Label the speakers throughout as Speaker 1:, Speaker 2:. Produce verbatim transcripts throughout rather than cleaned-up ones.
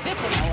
Speaker 1: Виконала.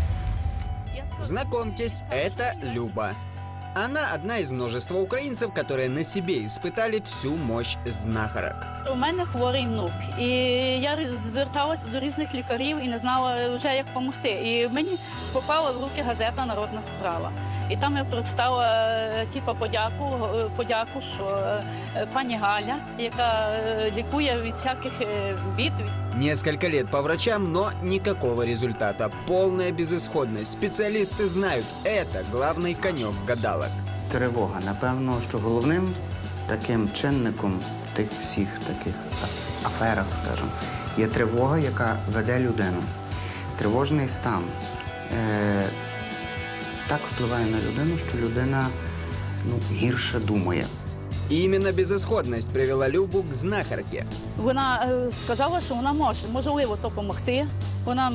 Speaker 2: Знакомьтесь, это Люба. Она одна из множества украинцев, которые на себе испытали всю мощь знахарок.
Speaker 1: У мене хворий внук, і я зверталася до різних лікарів і не знала вже, як допомогти. І мені попала в руки газета «Народна справа». І там я прочитала типу, подяку, подяку, що пані Галя, яка лікує від всяких бід.
Speaker 2: Несколько лет по врачам, но никакого результата. Полная безысходность. Специалисты знают, это главный конек гадалок.
Speaker 3: Тривога. Напевно, що головним таким чинником в тих всіх таких аферах, скажімо, є тривога, яка веде людину. Тривожний стан е так впливає на людину, що людина ну, гірше думає.
Speaker 2: Именно безысходность привела Любу к знахарке.
Speaker 1: Вона сказала, що вона може, можливо, допомогти. Вона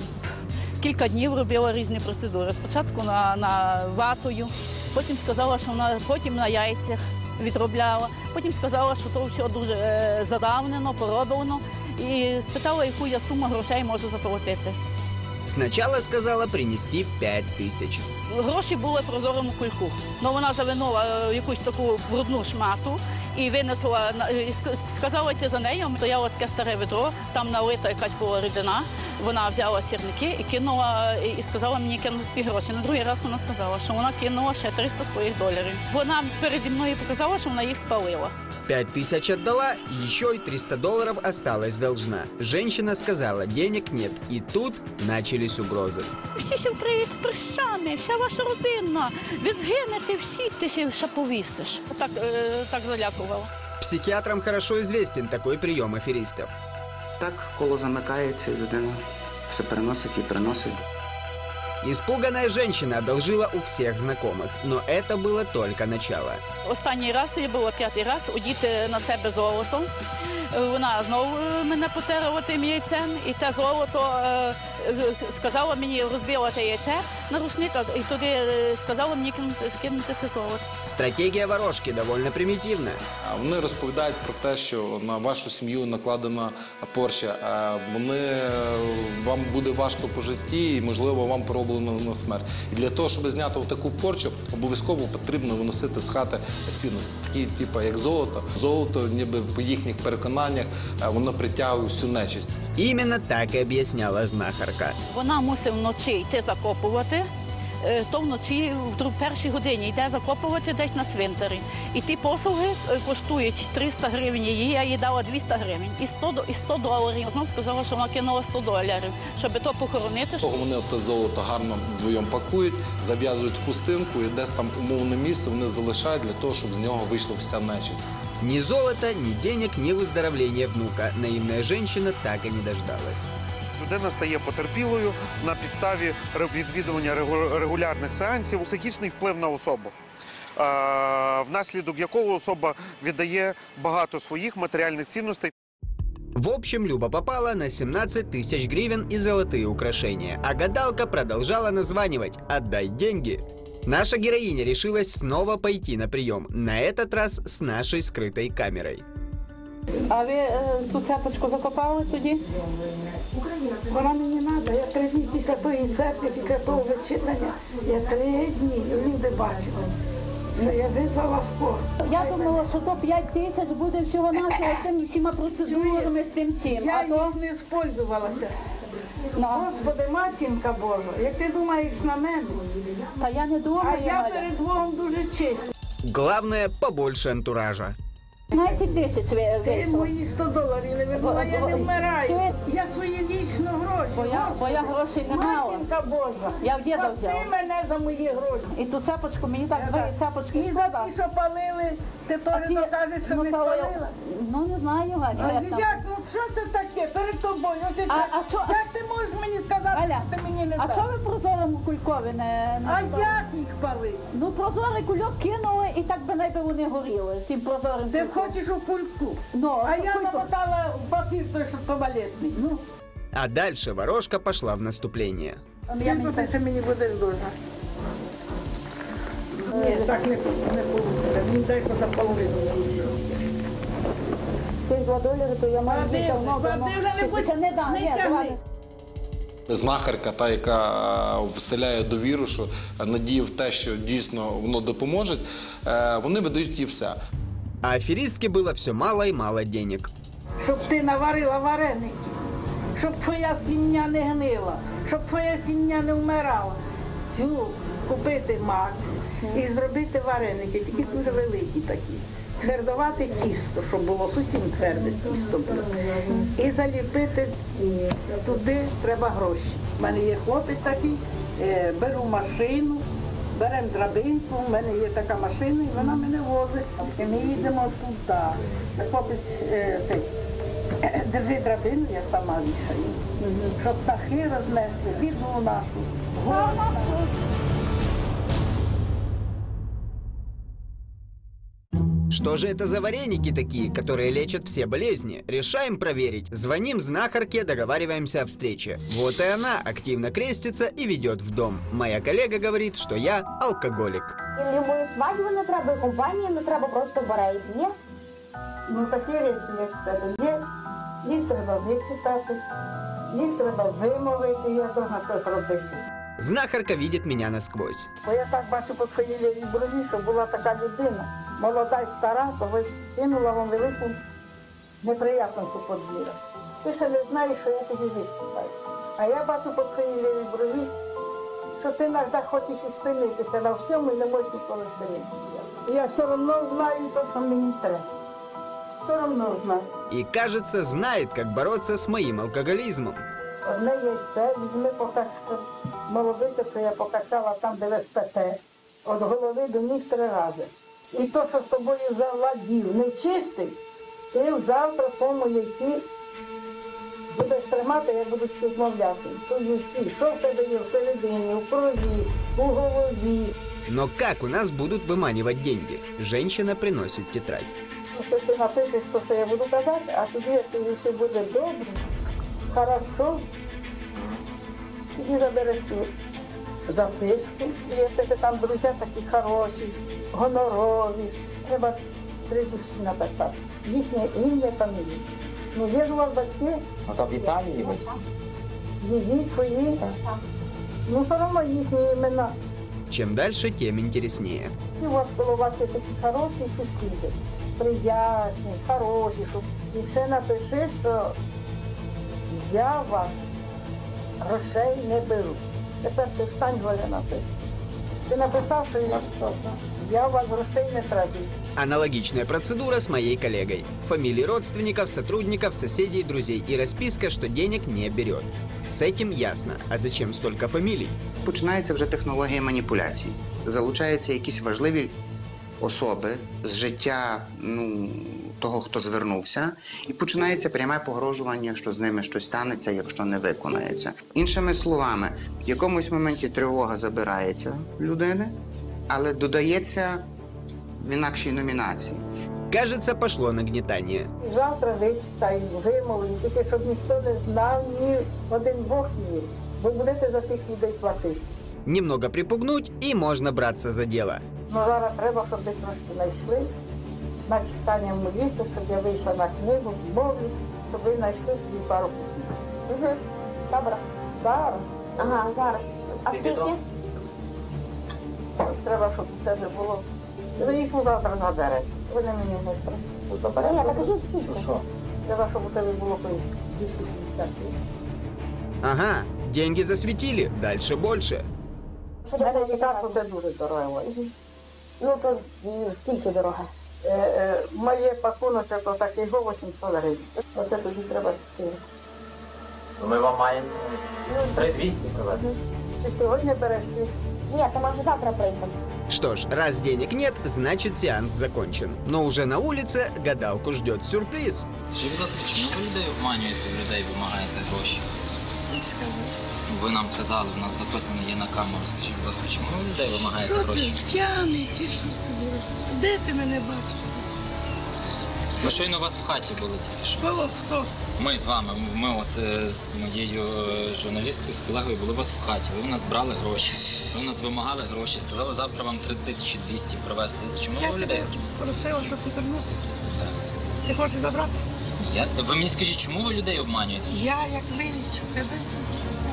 Speaker 1: кілька днів робила різні процедури. Спочатку на, на ватою, потім сказала, що вона потім на яйцях відробляла, потім сказала, що то все дуже е, задавнено, пороблено. І спитала, яку я суму грошей можу заплатити.
Speaker 2: Сначала сказала принести п'ять тисяч.
Speaker 1: Гроші були в прозорому кульку. Но вона завинула якусь таку брудну шмату і винесла, і сказала йти за нею. Стояло таке старе ведро, там налита якась була рідина. Вона взяла сірники і кинула, і сказала мені кинути ті гроші. На другий раз вона сказала, що вона кинула ще триста своїх доларів. Вона переді мною показала, що вона їх спалила.
Speaker 2: Пять тысяч отдала, еще и триста долларов осталась должна. Женщина сказала, денег нет, и тут начались угрозы.
Speaker 1: Всі ще вкриють прищами, вся ваша родина, ви згинете всі, ти ще ще повісиш. Так, е, так залякувала.
Speaker 2: Психиатрам хорошо известен такой прием аферистов.
Speaker 3: Так коло замикається, і людина все переносить і приносить.
Speaker 2: Испуганная женщина одолжила у всех знакомых, но это было только начало.
Speaker 1: Останній раз, я була п'ятий раз, одіти на себе золото. Вона знову мене потерла тим яйцем, і те золото сказала мені, розбила те яйце на рушник, і туди сказала мені кинути те золото.
Speaker 2: Стратегія ворожки доволі примітивна.
Speaker 4: Вони розповідають про те, що на вашу сім'ю накладена порча, вони, вам буде важко по житті і, можливо, вам пороблено на смерть. І для того, щоб зняти таку порчу, обов'язково потрібно виносити з хати цінності, такі, типу, як золото. Золото, ніби по їхніх переконаннях, воно притягує всю нечисть.
Speaker 2: Іменно так і об'ясняла знахарка.
Speaker 1: Вона мусить вночі йти закопувати, то вночі в першій годині йде закопувати десь на цвинтарі. І ті послуги коштують триста гривень її, я їй дала двісті гривень. І сто, і сто доларів. Знов сказала, що вона кинула сто доларів, щоб то похоронити.
Speaker 4: Вони те золото гарно вдвоєм пакують, зав'язують в хустинку і десь там умовне місце вони залишають для того, щоб з нього вийшла вся нечисть.
Speaker 2: Ни золота, ни денег, ни выздоровления внука. Наивная женщина так и не дождалась.
Speaker 5: Людина стає потерпілою на підставі відвідування регулярних сеансів, психічний вплив на особу, внаслідок якого особа віддає багато своїх матеріальних цінностей.
Speaker 2: В общем, Люба попала на семнадцать тысяч гривен и золотые украшения, а гадалка продолжала названивать «Отдай деньги». Наша героиня решилась снова пойти на прием, на этот раз с нашей скрытой камерой.
Speaker 1: А ви е, ту цепочку закопали тоді?
Speaker 6: Вона мені треба, я три дні після тої церкви, після того вичитання, я три дні люди бачили, що я визвала скору.
Speaker 1: Я думала, що то п'ять тисяч буде всього-навсього з тими всіма процедурами, з тим цим.
Speaker 6: Я
Speaker 1: А то...
Speaker 6: їх не спользувалася.
Speaker 1: No.
Speaker 6: Господи, матінка Божа, як ти думаєш на мене?
Speaker 1: Та я не думаю,
Speaker 6: а я перед Богом дуже чиста.
Speaker 2: Главное, побольше антуража.
Speaker 1: п'ятнадцять тисяч
Speaker 6: Ти
Speaker 1: вийшло.
Speaker 6: мої сто доларів не вибила, я не вмираю. Я свої лічно гроші.
Speaker 1: Бо я, бо я грошей не мала.
Speaker 6: Матінка Божа,
Speaker 1: Я в діда
Speaker 6: спаси
Speaker 1: взяла.
Speaker 6: мене за мої гроші.
Speaker 1: І ту цепочку, мені так дві цепочки
Speaker 6: І за ті, що палили, ти теж докажеш, що не спалила?
Speaker 1: Ну, не знаю,
Speaker 6: А
Speaker 1: Галя. як там.
Speaker 6: як, ну що це таке перед тобою? Ось
Speaker 1: А-
Speaker 6: як-
Speaker 1: а що-
Speaker 6: Як ти можеш мені сказати,
Speaker 1: Галя,
Speaker 6: що ти мені не
Speaker 1: А
Speaker 6: даш?
Speaker 1: що ви прозорому кулькові не... не
Speaker 6: А
Speaker 1: додали?
Speaker 6: як їх палити?
Speaker 1: Ну, прозорий кульок кинули і так би найби вони горіли, з тим прозорим
Speaker 6: Ти
Speaker 1: кульком.
Speaker 6: хочеш у кульку,
Speaker 1: Ну,
Speaker 6: а я
Speaker 1: кулько.
Speaker 6: намотала в папір той, що туалетний. Ну,
Speaker 2: А дальше ворожка пошла в наступление.
Speaker 6: скільки ти ще мені будеш должна? Ні, так не не вийде. Мені дай за половину.
Speaker 1: Ти два долари, то я маю
Speaker 6: Вадим,
Speaker 1: давно, давно.
Speaker 6: Вадим, не будь-
Speaker 1: Ти ще не дам,
Speaker 6: не
Speaker 1: ні,
Speaker 6: тягни.
Speaker 1: давай.
Speaker 4: знахарка, та, яка вселяє довіру, що надію в те, що дійсно воно допоможе, вони видають їй все.
Speaker 2: А аферистке было все мало и мало денег.
Speaker 6: Щоб ти наварила вареники, щоб твоя сім'я не гнила, щоб твоя сім'я не вмирала. Цю купити мак і зробити вареники, тільки дуже великі такі. Твердувати тісто, щоб було зовсім тверде тісто було. І заліпити туди треба гроші. У мене є хлопець такий, беру машину, беремо драбинку, у мене є така машина, і вона мене возить. І ми їдемо туди. Хлопець цей, держи драбину, я сама вішаю, щоб птахи рознесли, біду нашу.
Speaker 2: Что же это за вареники такие, которые лечат все болезни? Решаем проверить. Звоним знахарке, договариваемся о встрече. Вот и она активно крестится и ведет в дом. Моя коллега говорит, что я алкоголик.
Speaker 7: Любої свадьби не треба, і компанії не треба, просто бере і п'є.
Speaker 6: Ну такі речі, як в тебе є, їх треба вичитати, їх треба вимовити, я должна це зробити.
Speaker 2: Знахарка видит меня насквозь.
Speaker 6: Бо я так бачу по своїй лівій брові, що була така людина, молода й стара, то ви кинула вам велику неприятності подвір'я. Ти ще не знаєш, що я тобі виступаю. А я бачу по своїй лівій брові, що ти завжди хочеш і спинитися на всьому і не можеш ніколи спинитися. Я все одно знаю, то, що мені треба. Все одно знаю.
Speaker 2: И, кажется, знает, как бороться с моим алкоголизмом.
Speaker 6: Одне яйце, візьми поки що молодиця, що я покачала там, де ви спите, від голови до ніг три рази. І то, що з тобою завладів, нечистий, ти завтра в тому яйці будеш тримати, я буду розмовляти. То яйці, що в тебе є всередині, в крові, у голові.
Speaker 2: Но как у нас будут выманивать деньги? Женщина приносит тетрадь.
Speaker 6: Якщо ти напишеш, то, що я буду казати, а тоді, якщо все буде добре, хорошо, тоді забереш ту записку. І якщо там друзі такі хороші, гонорові, треба три душі написати. Їхнє ім'я, фамілія. Ну, є ж у вас батьки?
Speaker 8: Ну, то в Італії ви.
Speaker 6: Її, твої. Ну, все одно їхні імена.
Speaker 2: Чем дальше, тем интереснее.
Speaker 6: І у вас коло вас є такі хороші сусіди, приязні, хороші. Щоб... І ще напиши, що я вас грошей не беру. Тепер ти встань, Голя, напиши. Ти написав, що я, я у вас грошей не трачу.
Speaker 2: Аналогичная процедура с моей коллегой. Фамилии родственников, сотрудников, соседей, друзей и расписка, что денег не берет. С этим ясно. А зачем столько фамилий?
Speaker 3: Починається вже технологія маніпуляцій. Залучаються якісь важливі особи з життя ну, того, хто звернувся, і починається пряме погрожування, що з ними щось станеться, якщо не виконається. Іншими словами, в якомусь моменті тривога забирається людини, але додається в інакшій номінації.
Speaker 2: Кажется, пошло нагнетание.
Speaker 6: І завтра вичитаю, вимовлю, тільки щоб ніхто не знав, ні один Бог ні. Ви будете за тих людей платити.
Speaker 2: Немного припугнуть, и можно браться за дело.
Speaker 6: Ну, зараз треба, щоб ви трошки знайшли на читання молитви, щоб я вийшла на книгу, мовлю, щоб ви знайшли собі пару книг.
Speaker 7: Угу. Добре.
Speaker 6: Зараз.
Speaker 7: Ага, зараз. А скільки?
Speaker 6: Треба, щоб це вже було. Ви їх завтра заберете. Ви не мені не треба.
Speaker 7: Ні, покажіть скільки.
Speaker 6: Треба, щоб у тебе було двісті п'ятдесят.
Speaker 2: Ага, деньги засветили, дальше больше.
Speaker 6: У мене лікарство це дуже дорого.
Speaker 7: Ну, то м, скільки дорога?
Speaker 6: Е, е, моє пакуночок отакий го вісімсот гривень. Оце тоді треба чотири.
Speaker 8: Ми вам маємо три двісті привезти.
Speaker 6: Ти сьогодні береш ти?
Speaker 7: Ні, то може завтра прийдемо.
Speaker 2: Что ж, раз денег нет, значит сеанс закончен. Но уже на улице гадалку ждет сюрприз.
Speaker 9: Скажіть, будь ласка, чому ви людей обманюєте, в людей вимагаєте гроші? Ви нам казали, в нас записано є на камеру. Скажіть, будь ласка, чому ви людей вимагаєте
Speaker 10: Що ти
Speaker 9: гроші?
Speaker 10: п'яний чи що тобі? Де ти мене бачив?
Speaker 9: Ми щойно у вас в хаті були тільки що.
Speaker 10: Було хто?
Speaker 9: Ми з вами, ми от е, з моєю е, журналісткою, з колегою були у вас в хаті. Ви в нас брали гроші. Ви в нас вимагали гроші. Сказали, завтра вам три тисячі двісті привезти. Чому
Speaker 10: Я
Speaker 9: ви
Speaker 10: тебе
Speaker 9: людей?
Speaker 10: просила, щоб ти вернувся.
Speaker 9: Так.
Speaker 10: Ти хочеш забрати?
Speaker 9: Я, ви мені скажіть, чому ви людей обманюєте?
Speaker 10: Я як вилічу тебе, ти знаєш,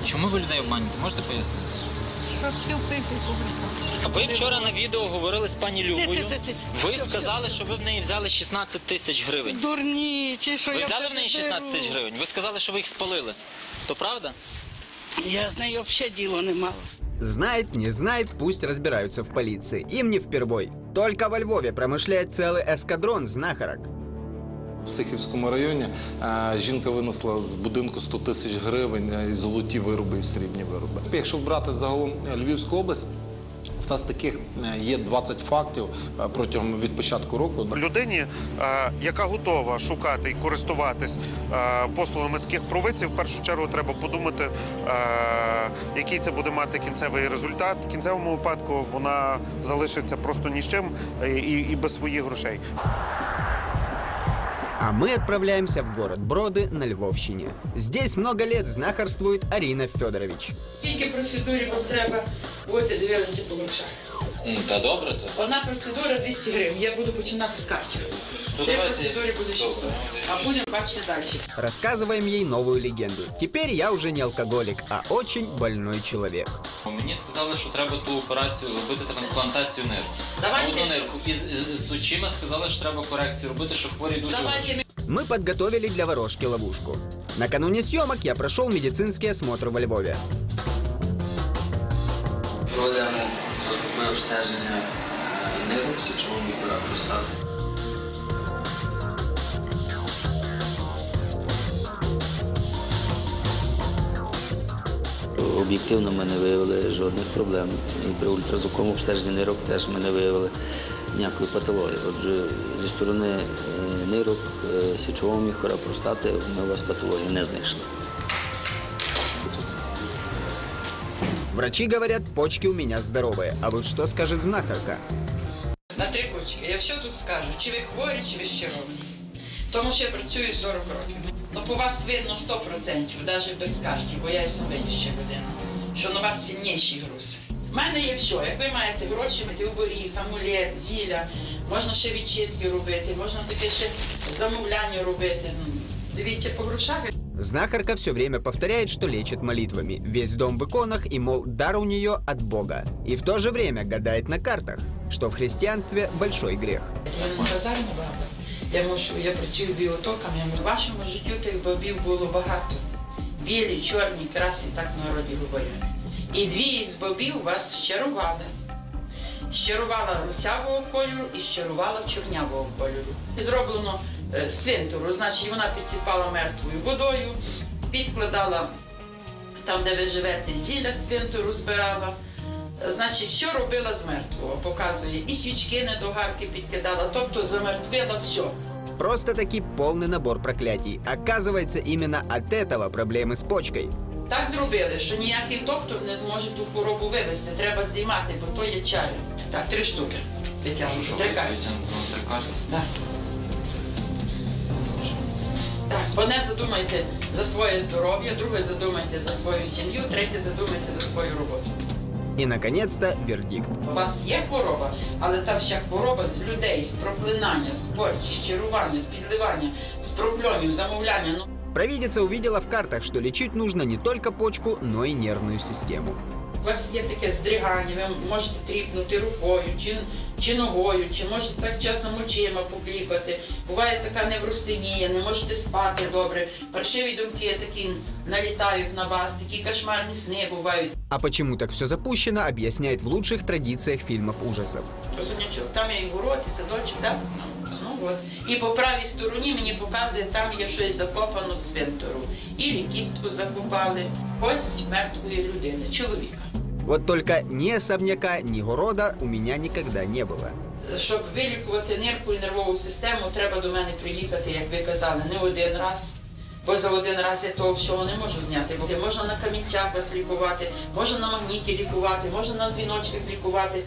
Speaker 9: Чому ви людей обманюєте? Можете пояснити?
Speaker 10: Щоб ти впився і побрехав.
Speaker 9: Ви вчора на відео говорили з пані Любою.
Speaker 10: Це, це, це, це.
Speaker 9: Ви сказали, що ви в неї взяли шістнадцять тисяч гривень.
Speaker 10: Дурні, чи що
Speaker 9: Ви
Speaker 10: я
Speaker 9: взяли в неї шістнадцять тисяч
Speaker 10: беру?
Speaker 9: гривень? Ви сказали, що ви їх спалили. То правда?
Speaker 10: Я з нею взагалі діло не мала.
Speaker 2: Знает, не знает, пусть разбираются в полиции. Им не впервой. Только во Львове промышляет целый эскадрон знахарок.
Speaker 4: В Сихівському районі е, жінка винесла з будинку сто тисяч гривень е, і золоті вироби, і срібні вироби. Якщо брати загалом Львівську область, в нас таких е, є двадцять фактів е, протягом від початку року.
Speaker 5: Людині, е, яка готова шукати і користуватись е, послугами таких провидців, в першу чергу треба подумати, е, який це буде мати кінцевий результат. В кінцевому випадку вона залишиться просто ні з чим і, і без своїх грошей.
Speaker 2: А мы отправляемся в город Броды на Львовщине. Здесь много лет знахарствует Арина Федорович.
Speaker 11: Скільки процедурі вам треба, от і дивилися по грошах.
Speaker 9: Та добре то.
Speaker 11: Одна процедура двісті гривень, я буду починати з картів. Три процедури буде шістсот, а будемо бачити далі.
Speaker 2: Рассказываем ей новую легенду. Теперь я уже не алкоголик, а очень больной человек.
Speaker 9: Мені сказали, що треба ту операцію робити, трансплантацію нирки.
Speaker 11: Давайте.
Speaker 9: Одну нирку. І з, з очима сказали, що треба корекцію робити, що хворі дуже
Speaker 11: Давайте.
Speaker 2: Мы подготовили для ворожки ловушку. Накануне съемок я прошел медицинский осмотр во Львове.
Speaker 12: Проведемо розрубне обстеження нирок, січового міхора простати. Об'єктивно ми не виявили жодних проблем. І при ультразвуковому обстеженні нирок теж ми не виявили ніякої патології. Отже, зі сторони нирок, січового міхора, простати ми у вас патології не знайшли.
Speaker 2: Врачи говорят, почки у меня здоровые. А вот что скажет знахарка?
Speaker 11: На три кучки. Я все тут скажу, чи ви хворі, чи ви щировані. Тому що я працюю сорок років. Ну, по вас видно сто процентів, навіть без скарги, бо я ясновидяща людина, що на вас сильніший груз. У мене є все. Як ви маєте гроші, медіоборіг, амулет, зілля, можна ще відчитки робити, можна таке ще замовляння робити. Дивіться по грошах.
Speaker 2: Знахарка все время повторяет, что лечит молитвами. Весь дом в иконах и, мол, дар у нее от Бога. И в то же время гадает на картах, что в христианстве большой грех.
Speaker 11: Я не базарна баба. Я можу, я працюю біотоками. В вашому життю тих бабів було багато. Білі, чорні, красі, так в народі говорять. І дві із бабів вас щарували. Щарувала русявого кольору і щарувала чорнявого кольору. Зроблено е, свинтуру, значить вона підсипала мертвою водою, підкладала там, де ви живете, зілля з свинтуру збирала. Значить, все робила з мертвого, показує. І свічки недогарки підкидала, тобто замертвила все.
Speaker 2: Просто-таки полный набор проклятий. Оказывается, именно от этого проблемы с почкой.
Speaker 11: Так зробили, що ніякий доктор не зможе ту хворобу вивезти. Треба здіймати, бо то є чари. Так, три штуки. Витягнути. Три карти. Так. Так, одне задумайте за своє здоров'я, друге задумайте за свою сім'ю, третє задумайте за свою роботу.
Speaker 2: И, наконец-то, вердикт.
Speaker 11: У вас є хвороба, але та вся хвороба з людей, з проклинання, з порчі, з чарування, з підливання, з прокльонів, замовляння. Ну.
Speaker 2: Провидица увидела в картах, что лечить нужно не только почку, но и нервную систему.
Speaker 11: У вас є таке здригання, ви можете тріпнути рукою, чи, чи ногою, чи можете так часом очима покліпати. Буває така невростенія, не можете спати добре, паршиві думки такі налітають на вас, такі кошмарні сни бувають.
Speaker 2: А почему так все запущено, объясняет в лучших традициях фильмов ужасов.
Speaker 11: Розумнячок, там є і город, і садочок, так? Ну от. І по правій стороні мені показує, там є щось закопано з свинтору. Ілі кістку закопали. Ось мертвої людини, чоловіка.
Speaker 2: Вот только ни особняка, ни города у меня никогда не было.
Speaker 11: Щоб вилікувати нирку і нервову систему, треба до мене приїхати, як ви казали, не один раз. Бо за один раз я того всього не можу зняти. Бо можна на камінцях вас лікувати, можна на магніті лікувати, можна на дзвіночках лікувати.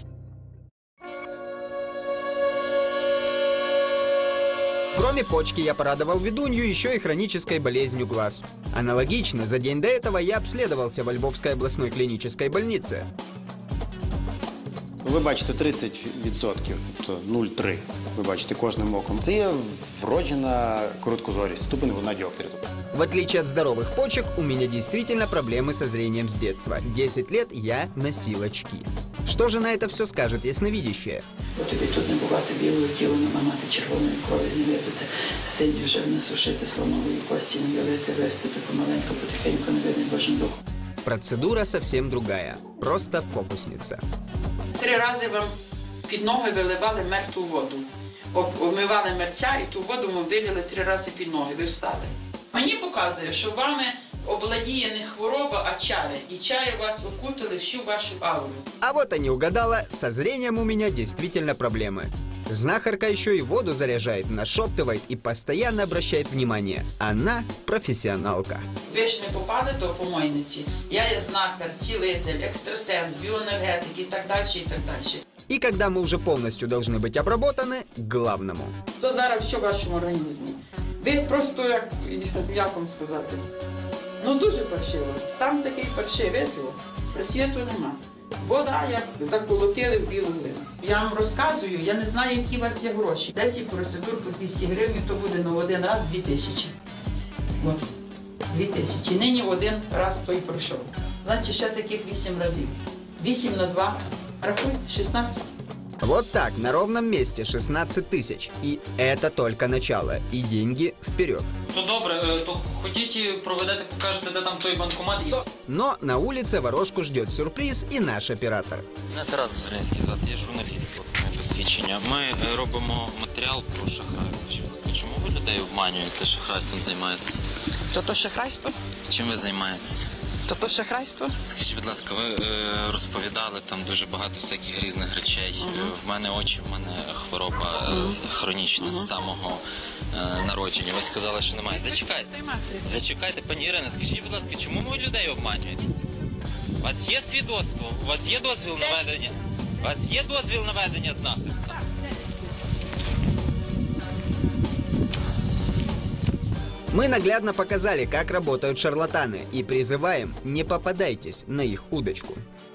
Speaker 2: Кроме почки я порадовал ведунью еще и хронической болезнью глаз. Аналогично, за день до этого я обследовался во Львовской областной клинической больнице.
Speaker 13: Ви бачите тридцять відсотків, тобто нуль цілих три. Ви бачите кожним оком. Це є вроджена короткозорість, ступень луна діоптрію.
Speaker 2: В отличие от здоровых почек, у меня действительно проблемы со зрением с детства. десять лет я носил очки. Что же на это все скажет ясновидящая?
Speaker 11: Бо тобі тут не бувати білого тіла, не мати червоної крові, не випити, сиді вже не сушити слонової кості, не вилити, вистити помаленьку, потихеньку, не видно Божим духом.
Speaker 2: Процедура совсем другая. Просто фокусница.
Speaker 11: Три рази вам під ноги виливали мертву воду. Обмивали мерця і ту воду ми вилили три рази під ноги. Ви встали. Мені показує, що вами обладіє не хвороба, а чари. І чари вас окутали всю вашу ауру.
Speaker 2: А вот и не угадала, со зрением у меня действительно проблемы. Знахарка еще и воду заряжает, нашептывает и постоянно обращает внимание. Она профессионалка.
Speaker 11: Ви ж не попали до помойниці. Я є знахар, цілитель, екстрасенс, біоенергетик і так далі, і так далі.
Speaker 2: И когда мы уже полностью должны быть обработаны, к главному.
Speaker 11: То зараз все в вашому організмі. Ви просто, як, як вам сказати, ну дуже паршиво. Сам такий паршивий, просвіту нема. Вода, як заколотили в білу глину. Я вам розказую, я не знаю, які у вас є гроші. десять процедур по двісті гривень, то буде на один раз дві тисячі. От, дві тисячі. Нині один раз той пройшов. Значить, ще таких вісім разів. вісім на два, рахуйте, шістнадцять.
Speaker 2: Вот так, на ровном месте шестнадцать тысяч. И это только начало. И деньги вперед.
Speaker 9: То добре, то ходіть, проведете, покажете, де там той банкомат.
Speaker 2: Но на улице ворожку ждет сюрприз и наш оператор.
Speaker 9: Мене Тарас Зеленський звати, я журналіст, от, досвідчення. Ми е, робимо матеріал про шахрайство. Чому ви людей обманюєте, шахрайством займаєтесь?
Speaker 11: То то шахрайство?
Speaker 9: Чим ви займаєтесь?
Speaker 11: То то шахрайство?
Speaker 9: Скажіть, будь ласка, ви е, розповідали там дуже багато всяких різних речей. Uh-huh. В мене очі, в мене хвороба е, uh-huh. хронічна uh-huh. з самого е, народження. Ви сказали, що немає. Зачекайте. Зачекайте, пані Ірина, скажіть, будь ласка, чому ви людей обманюєте? У вас є свідоцтво? У вас є дозвіл на ведення? У вас є дозвіл на ведення знахарства?
Speaker 2: Мы наглядно показали, как работают шарлатаны, и призываем, не попадайтесь на их удочку.